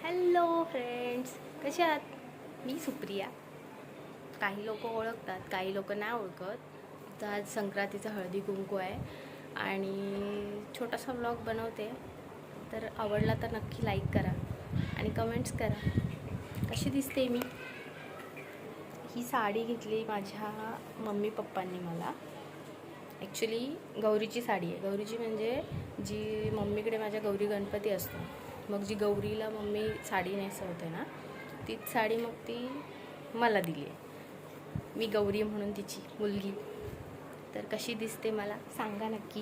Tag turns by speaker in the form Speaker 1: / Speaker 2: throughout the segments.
Speaker 1: Hello friends, कसे आहात? मी सुप्रिया. काही लोक ओळखतात, काही लोक नाही ओळखत. तर आज संक्रांतीचा हळदी कुंकू आहे आणि छोटासा व्लॉग बनवते. तर आवडला तर नक्की लाईक करा आणि कमेंट्स करा. कशी दिसते मी? ही साडी घेतली माझ्या मम्मी पप्पांनी मला. ॲक्च्युली गौरीची साडी आहे. गौरीची म्हणजे जी मम्मीकडे माझ्या गौरी गणपती असतो, मग जी गौरीला मम्मी साडी नेसवते ना, तीच साडी मग ती मला दिली आहे. मी गौरी म्हणून तिची मुलगी. तर कशी दिसते मला सांगा नक्की.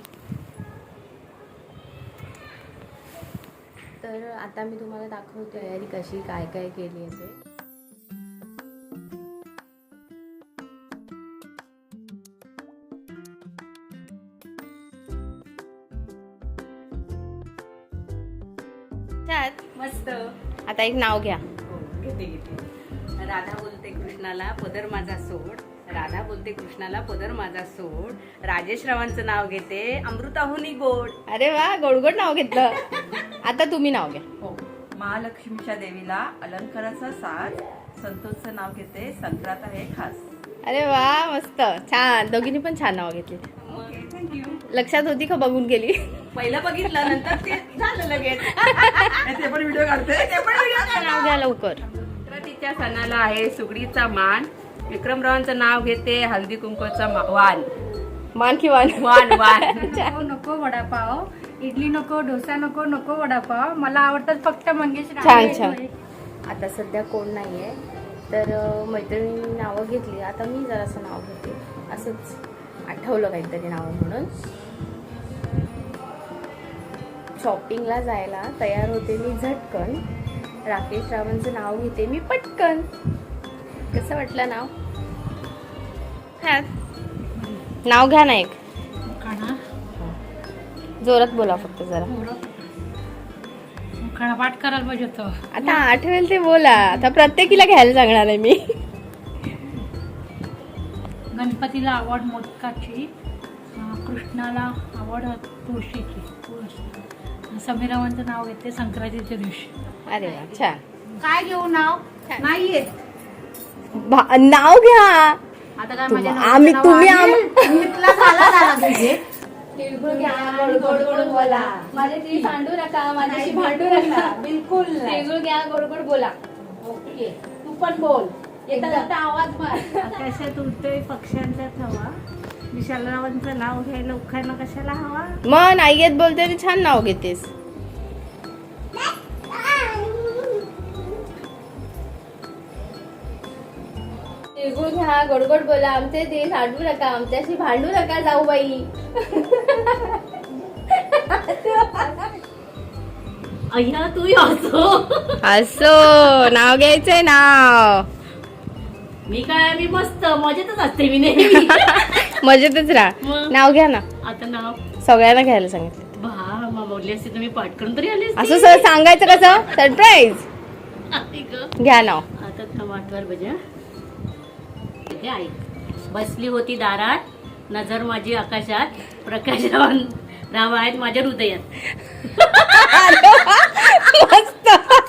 Speaker 1: तर आता मी तुम्हाला दाखवते तयारी कशी काय काय केली आहे ते.
Speaker 2: मस्त.
Speaker 1: आता एक नाव घ्या.
Speaker 2: घेते राधा बोलते कृष्णाला पदर माझा सोड. राधा बोलते कृष्णाला पदर माझा सोड. राजेश रावांचं नाव घेते अमृताहुनी गोड.
Speaker 1: अरे वा, गोडगोड नाव घेतलं. आता तुम्ही नाव घ्या.
Speaker 3: हो, महालक्ष्मीच्या देवीला अलंकाराचा साज. संतोषचं नाव घेते संक्रांत आहे खास.
Speaker 1: अरे वा, मस्त, छान. दोघींनी पण छान नाव घेतली.
Speaker 3: थँक्यू.
Speaker 1: लक्षात होती का बघून गेली?
Speaker 2: पहिलं बघितलं नंतर ते झालं लगेच.
Speaker 3: ते पण व्हिडिओ काढते.
Speaker 1: नाव घ्या लवकर.
Speaker 2: संक्रांतीच्या सणाला आहे सुगडीचा मान. विक्रमरावांचं नाव घेते हल्दी कुंकूचा वाण.
Speaker 1: मान की वान?
Speaker 2: वाण वाण.
Speaker 4: नको नको वडापाव, इडली नको, डोसा नको, नको वडापाव. मला आवडतात फक्त मंगेश
Speaker 1: छान छान. आता सध्या कोण नाही आहे, तर मैत्रिणींनी नावं घेतली. आता मी जरासं नाव घेते. असंच आठवलं काहीतरी नाव म्हणून. शॉपिंगला जायला तयार होते मी झटकन. राकेश रावांचं नाव घेते मी पटकन. कसं वाटलं नाव? नाव घ्या ना एक. जोरात बोला फक्त जरा.
Speaker 4: पाठ करायला पाहिजे होतं.
Speaker 1: आता आठवेल ते बोला. आता प्रत्येकीला घ्यायला सांगणार आहे मी.
Speaker 4: गणपतीला आवड मोदकाची, कृष्णाला आवड तुळशीची. समीरावांचं नाव घेते संक्रांतीच्या दिवशी.
Speaker 1: अरे वा, छान.
Speaker 4: काय घेऊ नाव? नाही येत.
Speaker 1: नाव घ्या.
Speaker 4: आता काय
Speaker 1: आम्ही तुम्ही
Speaker 4: तिळगुळ घ्या, गोड गोड गोड बोला.
Speaker 1: माझे ती भांडू नका, माझ्याशी भांडू नका.
Speaker 4: बिलकुल
Speaker 1: तिळगुळ घ्या, गोड गोड बोला.
Speaker 4: ओके, तू पण बोल.
Speaker 1: येता जाता आवाज मार.
Speaker 5: आकाशात उडतोय पक्ष्यांचा थवा. विशालरावांचं नाव घ्यायला उखाणं कशाला हवा.
Speaker 1: मग नाही येत बोलते आणि छान नाव घेतेस. तिळगुळ घ्या, गोड गोड बोला. आमचे ते भांडू नका, आमच्याशी भांडू नका जाऊ बाई.
Speaker 5: अय्या तू असो.
Speaker 1: असो नाव घ्यायचंय. नाव
Speaker 5: मी काय मी मस्त मजेतच असते मी नेहमी.
Speaker 1: मजेतच राहा.
Speaker 5: मग?
Speaker 1: नाव घ्या ना.
Speaker 5: आता नाव
Speaker 1: सगळ्यांना घ्यायला सांगितलं.
Speaker 5: भा बोलली असते तुम्ही पटकन तरी आली
Speaker 1: असं सर सांगायचं कसं? सरप्राईज. घ्या नाव.
Speaker 5: आता टमाटर भज्या. इथे ऐक. बसली होती दारात, नजर माझी आकाशात, प्रकाश राव आहेत माझ्या हृदयात.
Speaker 1: मस्त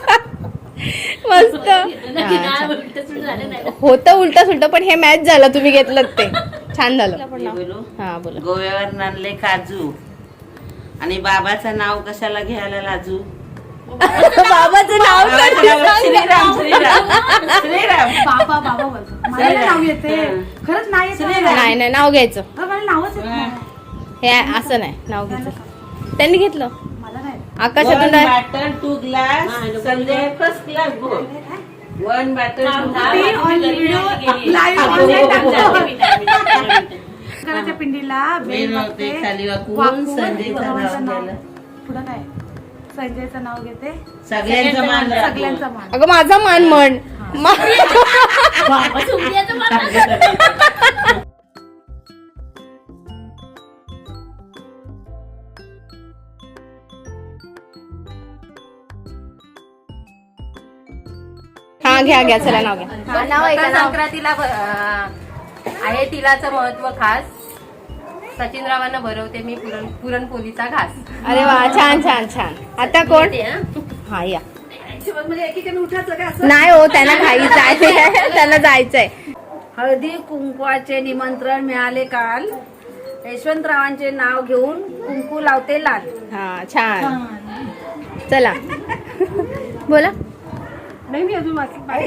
Speaker 1: मस्त.
Speaker 5: झालं नाही.
Speaker 1: होतं उलट सुलट, पण हे मॅच झालं. तुम्ही घेतलं ते छान झालं. हा बोला.
Speaker 6: गोव्यावर आणले काजू आणि बाबाचं नाव कशाला घ्यायला लाजू.
Speaker 1: बाबाचं नाव
Speaker 6: श्रीराम श्रीराम श्रीराम.
Speaker 4: बाबा बाबा बोलतो. मला नाही नाव येते. खरंच नाही येत मला.
Speaker 1: नाही नाही, नाव घ्यायचं.
Speaker 4: मला नावच येत नाही.
Speaker 1: हे असं नाही, नाव घ्यायचं. त्यांनी घेतलं.
Speaker 4: मला नाही.
Speaker 1: आकाशातून
Speaker 6: one batter two glass Sanjay first class बोल. वन बॅटर
Speaker 4: घराच्या पिंडीला बेल वाजते.
Speaker 6: खाली वाकून
Speaker 4: वाकून
Speaker 6: संजयचं नाव
Speaker 4: बाबाचं नाव.
Speaker 6: घ्यायला.
Speaker 4: पुढं काय? संजयचं नाव घेते.
Speaker 6: सगळ्यांचं मान राखून.
Speaker 4: सगळ्यांचा मान.
Speaker 1: अगं माझा मान म्हण. हा घ्या घ्या, चला नाव घ्या. नाव आहे का? नाव.
Speaker 2: संक्रांतीला आहे तिलाचं महत्व खास. सचिनरावांना भरवते मी पुरणपोळीचा घास.
Speaker 1: अरे वा, छान छान छान. आता कोण? हा या. नाही हो, त्यांना घाई जायचंय, त्यांना जायचंय.
Speaker 2: हळदी कुंकवाचे निमंत्रण मिळाले काल. यशवंतरावांचे नाव घेऊन कुंकू लावते लाल.
Speaker 1: हा छान. चला बोला.
Speaker 4: नाही मी अजून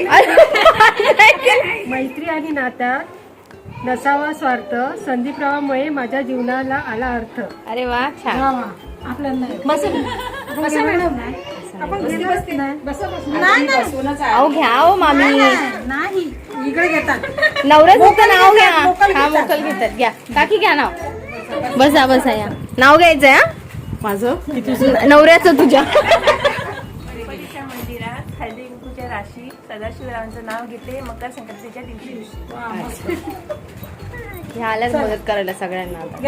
Speaker 4: मैत्री आणि नात्यात नसावा स्वार्थ, संदीपरावामुळे माझ्या जीवनाला आला अर्थ.
Speaker 1: अरे वा छान. अहो घ्या हो मामी,
Speaker 4: नाही इकडे घेतात.
Speaker 1: नवऱ्याचं नाव घ्या. हा मोकल घेतात. घ्या काकी, घ्या नाव. बसा बसा, या नाव घ्यायचंय. हा माझं नवऱ्याचं तुझ्या.
Speaker 7: गणपतीच्या मंदिरात हळदी कुंकूच्या राशी सदाशिवरावांचं नाव घेते मकर संक्रांतीच्या दिवशी.
Speaker 1: ह्यालाच मदत करायला सगळ्यांना आता.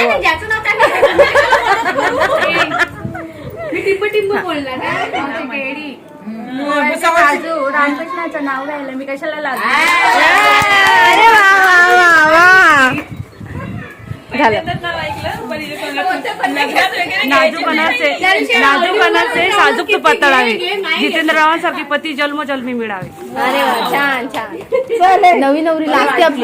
Speaker 7: काजू रामकृष्णाचं नाव घ्यायला मी कशाला लागले.
Speaker 1: अरे वा वा वा वा. झालं.
Speaker 8: नाजूकणाचे साजूक तुपात तळावे, जितेंद्ररावांसारखे पती जन्मोजन्मी मिळावे.
Speaker 1: अरे वा छान छान. नवी नवरी लागते आपली.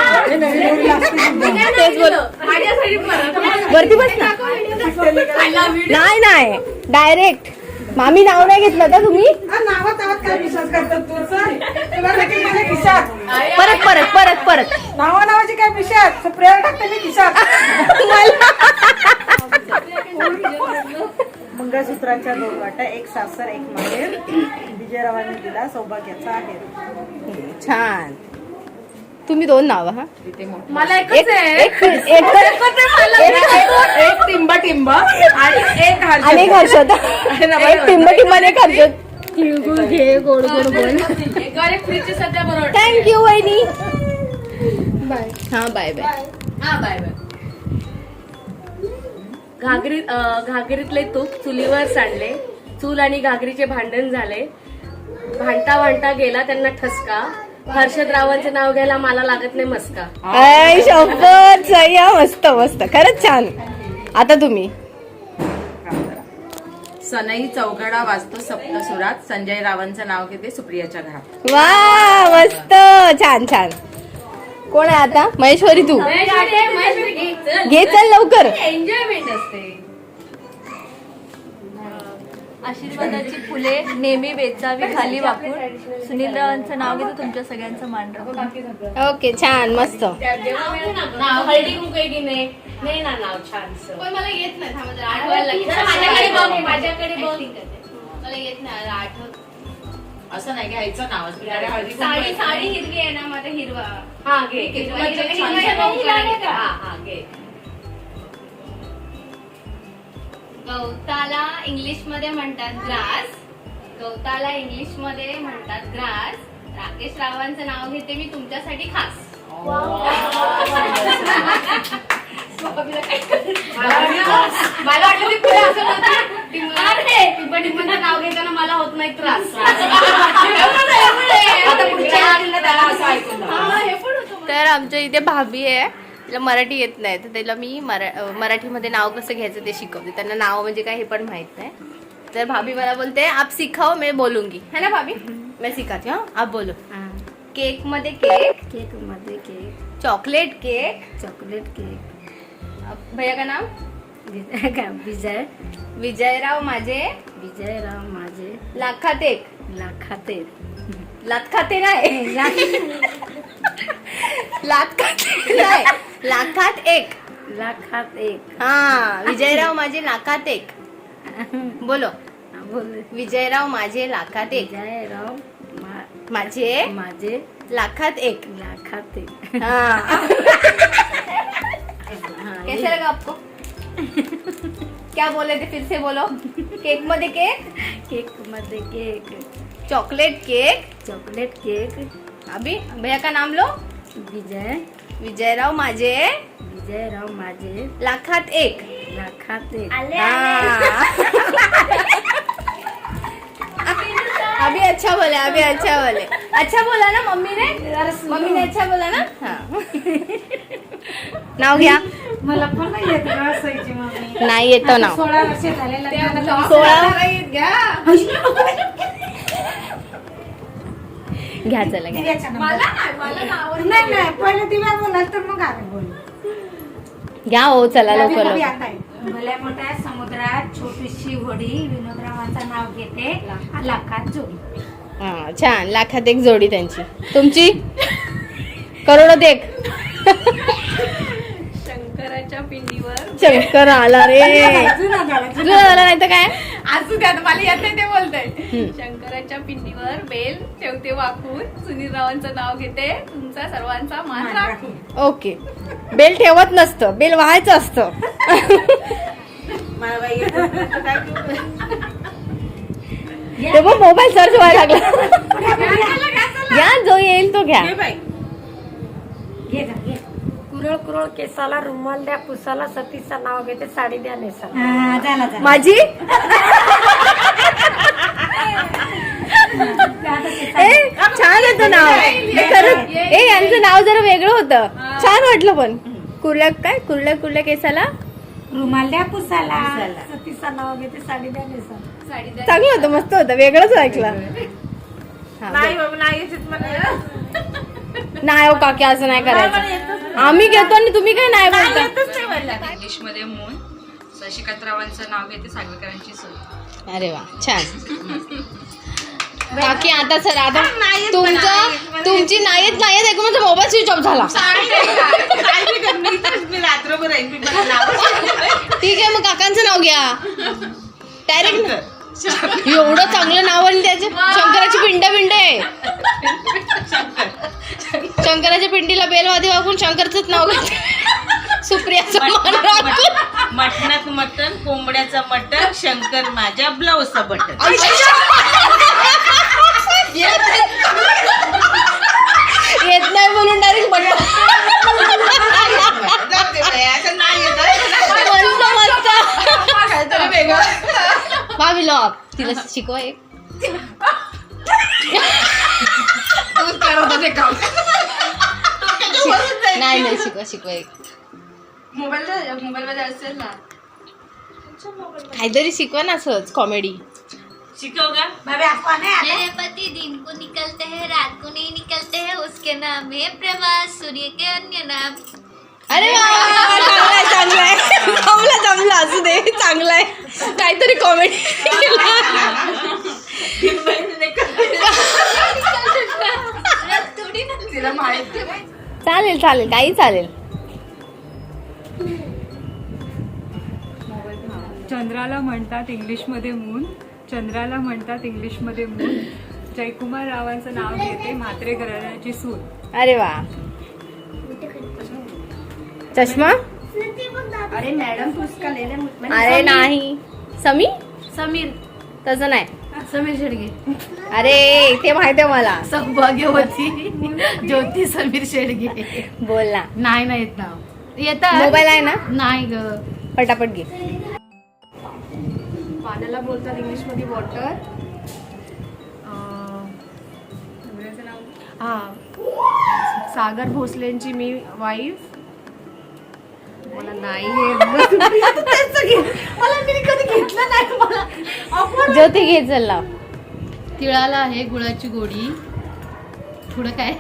Speaker 1: तेच बोल. वरती बस ना. नाही नाही, डायरेक्ट. मामी नाव नाही घेतलं का तुम्ही? परत परत परत परत.
Speaker 3: नावाची काय विषयात प्रेरणा टाकते मी खिशात. मंगळसूत्राच्या दोन वाटा, एक सासर एक माहेर, विजयरावांनी दिला सौभाग्याचा आहे.
Speaker 1: छान. तुम्ही दोन नाव. हा
Speaker 4: मला
Speaker 1: एक
Speaker 3: टिंब टिंब आणि एक
Speaker 1: अनेक हर्षद. एक टिंब टिंब अनेक हर्षद. तिळगुळ घे गोड गोड बोल. थँक्यू वहिनी. बाय. हा बाय बाय.
Speaker 5: घागरीतले तूप चुलीवर सांडले, चूल आणि घागरीचे भांडण झाले, भांडता भांडता गेला त्यांना ठसका, हर्षदरावांचे नाव घ्यायला मला लागत नाही मस्का.
Speaker 1: आय शपथ. सही. मस्त मस्त, खरंच छान. आता तुम्ही.
Speaker 3: सनई चौघडा वाजतो सप्तसुरात, संजय रावांचं नाव घेते सुप्रियाच्या घरात.
Speaker 1: वा मस्त, छान छान. कोण आहे आता? महेश्वरी तू घे, चल लवकर.
Speaker 5: एन्जॉयमेंट असते.
Speaker 7: आशीर्वादाची फुले नेहमी वेचावी खाली वाकून, सुनीलरावांचं नाव घेतो तुमच्या सगळ्यांचं मान राखून.
Speaker 1: ओके छान मस्त.
Speaker 5: हळदी कुंकू आहे की नाही? नाही ना नाव छान.
Speaker 1: मला येत नाही.
Speaker 5: माझ्याकडे बघ, माझ्याकडे बघ.
Speaker 1: मला येत नाही आठवत.
Speaker 3: असं नाही घ्यायचं नाव.
Speaker 1: साडी हिरवी आहे ना, माझा हिरवा.
Speaker 5: हा घे. हा घे.
Speaker 1: गवताला इंग्लिश मध्ये म्हणतात ग्रास. गवताला इंग्लिश मध्ये म्हणतात ग्रास. राकेश रावांचं नाव घेते मी तुमच्यासाठी खास.
Speaker 5: मला वाटलं की तुला असं होतं टिंबटिंबाचं नाव घेताना मला होत नाही त्रास. आता पुढच्या
Speaker 1: तर आमच्या इथे भाभी आहे, तिला मराठी येत नाही, तर त्याला मी मराठीमध्ये नाव कसं घ्यायचं ते शिकवते. त्यांना नाव म्हणजे काय हे पण माहित नाही. तर भाभी मला बोलते आप सिखाओ मैं बोलूंगी, है ना भाभी? मैं सिखाती हूँ, आप बोलो. केक मध्ये केक.
Speaker 7: केक मध्ये cake.
Speaker 1: Chocolate cake.
Speaker 7: Chocolate cake.
Speaker 1: भैया का नाम?
Speaker 7: विजय.
Speaker 1: विजयराव माझे.
Speaker 7: विजयराव माझे.
Speaker 1: लाखात एक.
Speaker 7: लाखात एक.
Speaker 1: लात खाते नाही. लात खाते नाही, लाखात एक.
Speaker 7: लाखात एक.
Speaker 1: हा विजयराव माझे लाखात एक. बोलो.
Speaker 7: बोल.
Speaker 1: विजयराव माझे लाखात एक.
Speaker 7: विजयराव
Speaker 1: माझे
Speaker 7: माझे
Speaker 1: लाखात एक.
Speaker 7: लाखात एक.
Speaker 1: हाँ कैसे लगा आपको? क्या बोले थे, फिर से बोलो. केक मध्ये केक.
Speaker 7: केक मध्ये cake.
Speaker 1: Chocolate cake.
Speaker 7: Chocolate cake.
Speaker 1: अभी भैया का नाम लो.
Speaker 7: विजय.
Speaker 1: विजयराव माझे.
Speaker 7: विजयराव माझे
Speaker 1: लाखात एक.
Speaker 7: लाखात एक.
Speaker 1: हाँ. अभी अच्छा बोले, अभी अच्छा बोले. अच्छा बोला ना मम्मी ने? मम्मी ने अच्छा बोला ना? हाँ. नाव घ्या.
Speaker 4: मला पण नाही येत गं असायची मम्मी.
Speaker 1: नाही येतो नाव.
Speaker 4: 16 वर्ष झालेला.
Speaker 1: 16 घ्या चला घ्या.
Speaker 3: दिव्याचा नंबर. नाही नाही पहिले दिव्या बोलाल तर मग आम्ही बोलू.
Speaker 1: घ्या हो चला लवकर
Speaker 3: दिव्या
Speaker 1: लवकर.
Speaker 3: आता आहे.
Speaker 4: भल्या मोठ्या समुद्रात छोटीशी होडी विनोदरावांचं नाव घेते लाखात जोडी.
Speaker 1: हा छान. लाखात एक जोडी त्यांची. तुमची करोडोत एक.
Speaker 7: शंकराच्या पिंडीवर
Speaker 1: शंकर आला रे.
Speaker 3: जुना झाला.
Speaker 1: तुला झालं नाही तर काय.
Speaker 7: असू द्या मला येत नाही ते बोलतंय. शंकराच्या पिंडीवर बेल ठेवते वाकून सुनील रावांचं नाव घेते तुमचा सर्वांचा मान राखून.
Speaker 1: ओके. बेल ठेवत नसतं, बेल व्हायचं असतं.
Speaker 3: मला बाई येत नाही तर काय करू?
Speaker 1: ते मग मोबाईल सर्च व्हायला लागला. घ्या जो येईल तो घ्या.
Speaker 3: हे बाई
Speaker 4: घे जा, घे.
Speaker 9: कुरळ कुरळ केसाला रुमाल द्या पुसाला सतीचं नाव घेते साडी द्या नेसाला.
Speaker 3: हा, झाला झाला.
Speaker 1: माझी छान होतं नाव. हे खरंच यांचं नाव जरा वेगळं होतं. छान वाटलं पण. कुर्ल्या काय कुर्ल्या कुर्ल्या केसाला
Speaker 4: रुमाल द्या पुसाला सतीचं नाव घेते साडी द्या नेसाला.
Speaker 1: चांगलं होतं, मस्त होतं, वेगळंच ऐकलं. हा,
Speaker 3: नाही बाबा नाही येत मला.
Speaker 1: नाही हो काकी असं नाही करायचं. आम्ही घेतो आणि तुम्ही काय नाही बोलता.
Speaker 8: इंग्लिश मध्ये मून शशिकांतरावांचं नाव घेते सागवेकरांची सून.
Speaker 1: अरे वा छान. बाकी आता सर आता तुमची नाहीत ऐकून माझा मोबाईल स्विच ऑफ झाला.
Speaker 6: मी रात्रभर आहे. मी मला नाव
Speaker 1: ठीक आहे मग काकांचं नाव घ्या डायरेक्ट. एवढं चांगलं नाव आणि त्याचे शंकराची पिंड आहे. शंकराच्या पिंडीला बेलवादी वागून शंकरचंच नाव घेते. सुप्रियाचं मान राखून.
Speaker 6: मटणात मटण, कोंबड्याचं मटण, शंकर माझ्या ब्लाऊजचं बटन.
Speaker 1: येत नाही म्हणून डायरेक्ट बटन. भाभी लो तिला शिकवा एक. नाही शिकवा एक.
Speaker 7: मोबाईल मध्ये असेल ना.
Speaker 1: काहीतरी शिकवा ना सहज कॉमेडी.
Speaker 6: शिकव का?
Speaker 3: बाबा आपण आहे आता.
Speaker 10: मेरे पति दिन को निकलते हैं रात को नहीं निकलते हैं उसके नाम है प्रवास सूर्य के अन्य नाम.
Speaker 1: अरे चांगलाय जमला असू दे. चांगलाय काहीतरी कॉमेडी. चालेल काही चालेल.
Speaker 11: चंद्राला म्हणतात इंग्लिशमध्ये मून. चंद्राला म्हणतात इंग्लिशमध्ये मून. जयकुमार रावांचं नाव घेते म्हात्रे घराण्याची सून.
Speaker 1: अरे वा. चष्मा.
Speaker 7: अरे मॅडम पुस्तका लिहिले.
Speaker 1: अरे नाही
Speaker 7: समीर
Speaker 1: तसं नाही.
Speaker 7: समीर शेडगे.
Speaker 1: अरे ते माहिती आहे मला.
Speaker 7: सौभाग्यवती ज्योती समीर शेडगे.
Speaker 1: बोल ना.
Speaker 7: नाही येत नाव. येतात
Speaker 1: मोबाईल आहे ना.
Speaker 7: नाही ग.
Speaker 1: पटापट घे.
Speaker 7: पाण्याला बोलतात इंग्लिश मध्ये वॉटर. हा सागर भोसलेंची मी वाईफ. मला नाही मला मी कधी घेतलं नाही. मला
Speaker 1: ज्योती घे चल लाव.
Speaker 7: तिळाला आहे गुळाची गोडी. थोडं काय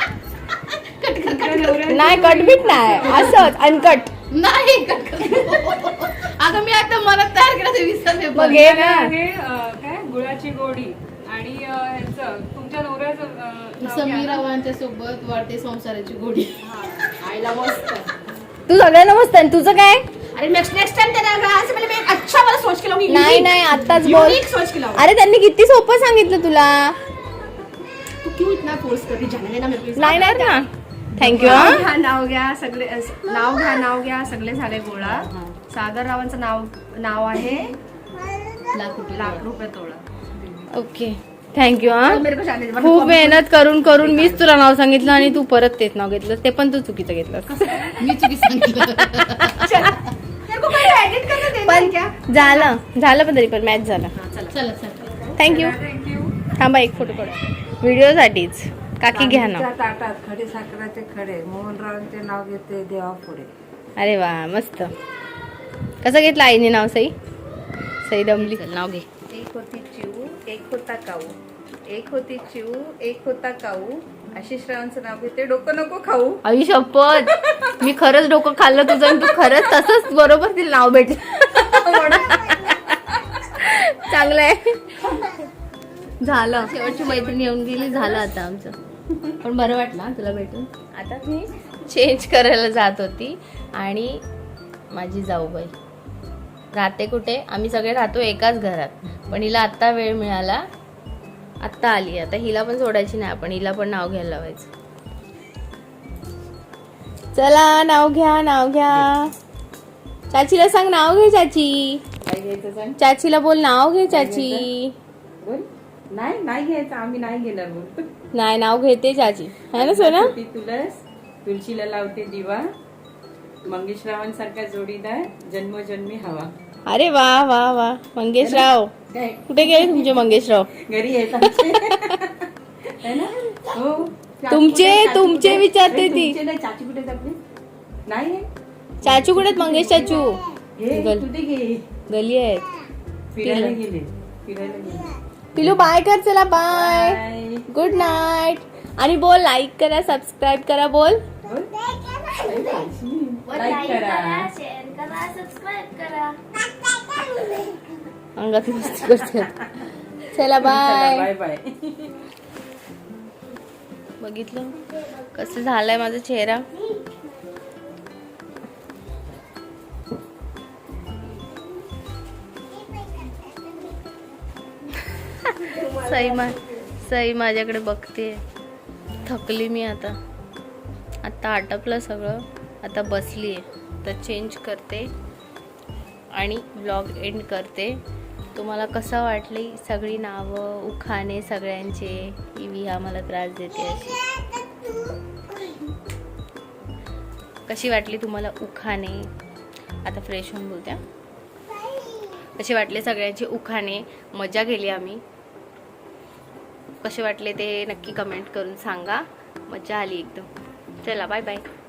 Speaker 1: नाही कटबीट नाही असंच अनकट.
Speaker 7: नाही अगं मी आता मनात तयार केलं ते विसरले.
Speaker 1: मग घे ना.
Speaker 11: हे काय गुळाची गोडी आणि ह्याचं तुमच्या नवऱ्याचं नाव
Speaker 7: समीर
Speaker 11: घ्या.
Speaker 7: रावांच्या सोबत वाढते संसाराची गोडी. आईला मस्त.
Speaker 1: तू सगळ्यांना मस्त आहे. तुझं काय.
Speaker 7: अरे नेक्स्ट टाइम मैं अच्छा वाला सोच के लाऊंगी.
Speaker 1: नाही आत्ताच बोल.
Speaker 7: Unique सोच के लाऊंगी.
Speaker 1: अरे त्यांनी किती सोपं सांगितलं तुला.
Speaker 7: तू क्यों इतना फोर्स करती जाने देना मेरे को.
Speaker 1: नाही ना. थँक्यू.
Speaker 7: नाव घ्या सगळे. नाव घ्या सगळे झाले गोळा. सागर रावांचं नाव आहे लाख रुपये तोळा.
Speaker 1: Okay thank you.
Speaker 7: मेरे को जाने दे.
Speaker 1: खूप मेहनत करून मीच तुला नाव सांगितलं आणि तू परत तेच नाव घेतलं. ते पण तू चुकीचं घेतलं.
Speaker 7: मी चुकी सांगितलं.
Speaker 1: पण झालं पण तरी पण मॅच झाला.
Speaker 7: चला
Speaker 1: थँक्यू. थांबा एक फोटो काढू व्हिडिओसाठीच. काकी घ्या ना.
Speaker 9: ताटात खडे साखराचे खडे मोहनरावांचे नाव घेते देवा पुढे.
Speaker 1: अरे वा मस्त. कसं घेतलं आईने नाव. सई दमली. नाव घे.
Speaker 9: एक होती चिऊ एक होता काऊ
Speaker 3: एक होती चिऊ, एक होता काऊ. आशिष रावांचं नाव घेते, डोकं नको खाऊ.
Speaker 1: आई शपथ, मी खरंच डोकं खाल्लं तुझं आणि तू खरंच तसंच बरोबर तिला नाव भेटलं. चांगलं आहे. झालं, शेवटची मैत्रीण येऊन गेली, झालं आता आमचं. पण बरं वाटलं हा तुला भेटून. आता मी चेंज करायला जात होती आणि माझी जाऊबाई राहते कुठे, आम्ही सगळे राहतो एकाच घरात, पण हिला आत्ता वेळ मिळाला, आत्ता आली. आता हिला पण सोडायची नाही आपण, हिला पण नाव घ्यायला लावायचं. चला नाव घ्या, नाव घ्या. चाचीला सांग नाव घे चाची.
Speaker 3: काय घ्यायचं सांग?
Speaker 1: चाचीला बोल नाव घे चाची.
Speaker 3: बोल. नाही नाही घ्यायचं, आम्ही नाही घेणार. बोल.
Speaker 1: नाही नाव घेते चाची, है ना सोना.
Speaker 3: ती तुलस, तुळशीला लावते दिवा, मंगेशरावांसारखा जोडीदार जन्मोजन्मी हवा.
Speaker 1: अरे वा वा वा. मंगेशराव
Speaker 3: काय
Speaker 1: कुठे गेले तुमचे मंगेशराव?
Speaker 3: घरी आहेत आमचे. है ना? हो.
Speaker 1: तुमचे विचारते ती.
Speaker 3: तुमचे नाही, चाची कुठे आपली? नाही
Speaker 1: चाचू कुठे आहेत? मंगेश चाचू
Speaker 3: हे कुठे गे?
Speaker 1: गली आहेत.
Speaker 3: फिरायला गेले, फिरायला गेले.
Speaker 1: पिलू बाय कर. चला बाय,
Speaker 3: बाय.
Speaker 1: Good night. आणि बोल लाईक करा, सबस्क्राईब करा. बोल
Speaker 3: लाईक करा.
Speaker 10: शेअर करा, सबस्क्राईब करा.
Speaker 1: अंगात मस्ती करते. चला बाय.
Speaker 3: Bye bye.
Speaker 1: बघितलं कसं झालंय माझा चेहरा. सई माझ्याकडे बघते. थकली मी आता आटपलं सगळं, आता बसली आहे. तर चेंज करते आणि ब्लॉग एंड करते. तुम्हाला कसं वाटली सगळी नावं, उखाणे सगळ्यांचे? ही विहा मला त्रास देते अशी. कशी वाटली तुम्हाला उखाणे? आता फ्रेश होऊन बोलत्या. कसे वाटले सगळ्यांचे उखाणे? मजा केली आम्ही. कसे वाटले ते नक्की कमेंट करून सांगा. मजा आली एकदम. चला बाय बाय.